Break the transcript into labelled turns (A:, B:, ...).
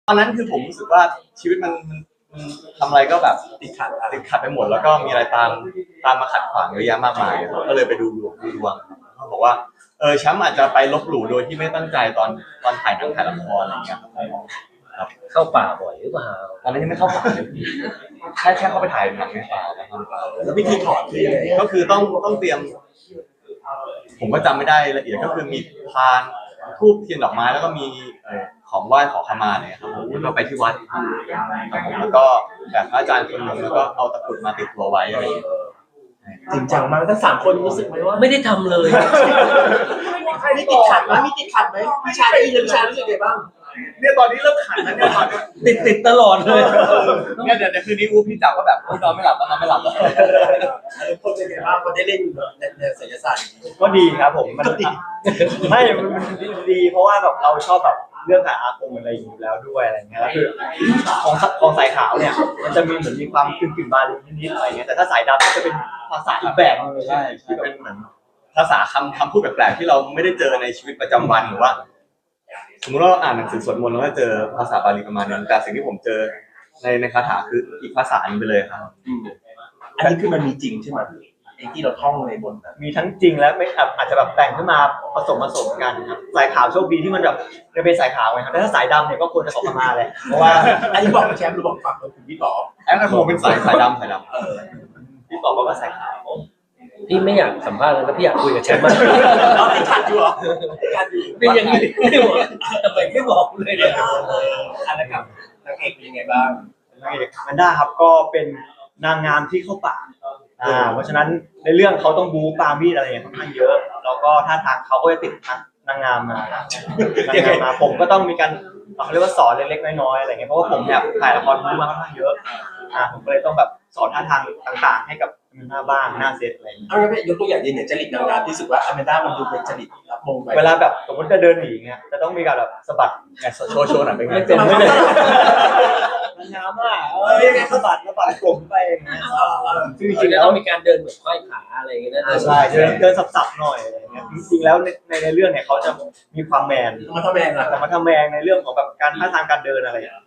A: ตอนนั้นคือผมรู้สึกว่าชีวิตมันทำอะไรก็แบบติดขัดไปหมดแล้วก็มีอะไรตามมาขัดขวางเยอะแยะมากมายก็เลยไปดูดวงเขาบอกว่าแชมป์อาจจะไปลบหลู่โดยที่ไม่ตั้งใจตอนถ่ายหนังถ่ายละครอะไรเงี้ยครับ
B: เข้าป่าบ่อยหรือเปล่า
A: ตอนนั้นยังไม่เข้าป่าเลยแค่เข้าไปถ่ายหนังในป่า
C: แล้ววิธีถอดคือยังไง
A: ก็คือต้องเตรียมผมก็จำไม่ได้ละเอียดก็คือมีพานธูปเทียนดอกไม้แล้วก็มีของไหว้ขอขมาเนี่ยครับผมก็ไปที่วัดครับผมแล้วก็แบบพระอาจารย์คนหนึ่งแล้วก็เอาตะกรุดมาติดตัวไว้อะไรอย่างเงี้ย
C: จริงจังมากทั้ง3 คนรู้สึกไหมว่า
B: ไม่ได้ทำเลย
C: ใครมีติดขัดไหมพี่ชายได้ยินพี่ชายรู้สึกไงบ้าง
A: เนี่ยตอนนี้เริ่มขันแล้วเนี่ยตอนนี้
B: ติดตลอดเลย
A: เนี่ยเดี๋ยวคืนนี้พี่จับว่าแบบนอนไม่หลับตอนนอนไม่หลับแล้ว
C: คนเป็นไงบ้างคนได้เล่นในศิลปศาสตร์
D: ก็ดีครับผมมันไม่มันดีเพราะว่าแบบเราชอบแบบเรื่องหาอาคมอะไรอยู่แล้วด้วยอะไรเงี้ยแล้วคือของสายขาวเนี่ยมันจะมีเหมือนมีความกึ่งบาลีนิดๆอะไรเงี้ยแต่ถ้าสายดำก็จะเป็นภาษาอีกแบบนึงเลย
A: ใช่ที่เป็นเหมือนภาษาคำพูดแปลกๆที่เราไม่ได้เจอในชีวิตประจำวันหรือว่าสมมติว่าเราอ่านหนังสือสวดมนต์แล้วก็เจอภาษาบาลีประมาณนั้นแต่สิ่งที่ผมเจอในคาถาคืออีกภาษาหนึ่งไปเลยครับ
C: อันนี้คือมันมีจริงใช่ไหมไอ้ที่เราท่องในบน
D: มีทั้งจริงและไม่อาจจะแบบแต่งขึ้นมาผสมกันครับสายขาวโชคดีที่มันแบบจะเป็นสายขาวไงครับแต่ถ้าสายดำเนี่ยก็ควรจะขอขมาแหละเพราะว่า
C: อันนี้บอกแชมป์หรือบอกฝั่งเราคุณพี่ต่อ
A: แอปผมเป็นสายดำ
D: พี่ต่อว่าสายขาว
B: พี่ไม่อยากสัมภาษณ์แล้วพี่อยากคุยกับแชมป์มาก
C: เราติดขัดอยู่เหรอ
B: เป็นยังไงไม่บอกทำไมไม่บอกเลยเนี่ย
C: อันนั้นกับนางเอกเป็นยังไงบ้าง
D: นางเอกแมนด้าครับก็เป็นนางงามที่เข้าป่าเพราะฉะนั้นในเรื่องเขาต้องบู๊ปามีดอะไรอย่างค่อนข้างเยอะแล้วก็ท่าทางเขาก็จะติดนางงามมาผมก็ต้องมีการเขาเรียกว่าสอนเล็กๆน้อยๆอะไรเงี้ยเพราะว่าผมเนี่ยถ่ายละครบู๊มาค่อนข้างเยอะผมก็เลยต้องแบบสอนท่าทางต่างๆให้กับหน้าบ้างหน้าเซตอะไรอย่างเงี้ย
C: เอางี้ยกตัวอย่างเนี่ยจริตนางงามที่รู้สึกว่าอแมนด้ามันดูเป็นจริตรับมงไป
D: เวลาแบบสมมติจะเดินหนีเงี้ยจะต้องมีการแบบสะบัด
A: โชว์หน่อยเป็นไง
D: ไม่เป็นไม่เลยนางงามอ่ะสะบัดกลมไปอย่างเงี้ย
B: จริงๆแล้วต้องมีการเดินเหมือนค่อยขาอะไรอย่างเงี้ยนะ
D: ใช่เดินสับๆหน่อยอะไรเงี้ยจริงๆแล้วในเรื่องเนี่ยเขาจะมีความแมน
C: มาทำแมงอะ
D: แต่มาทำแมงในเรื่องของแบบการท่าทางการเดินอะไรอย่างเงี้ย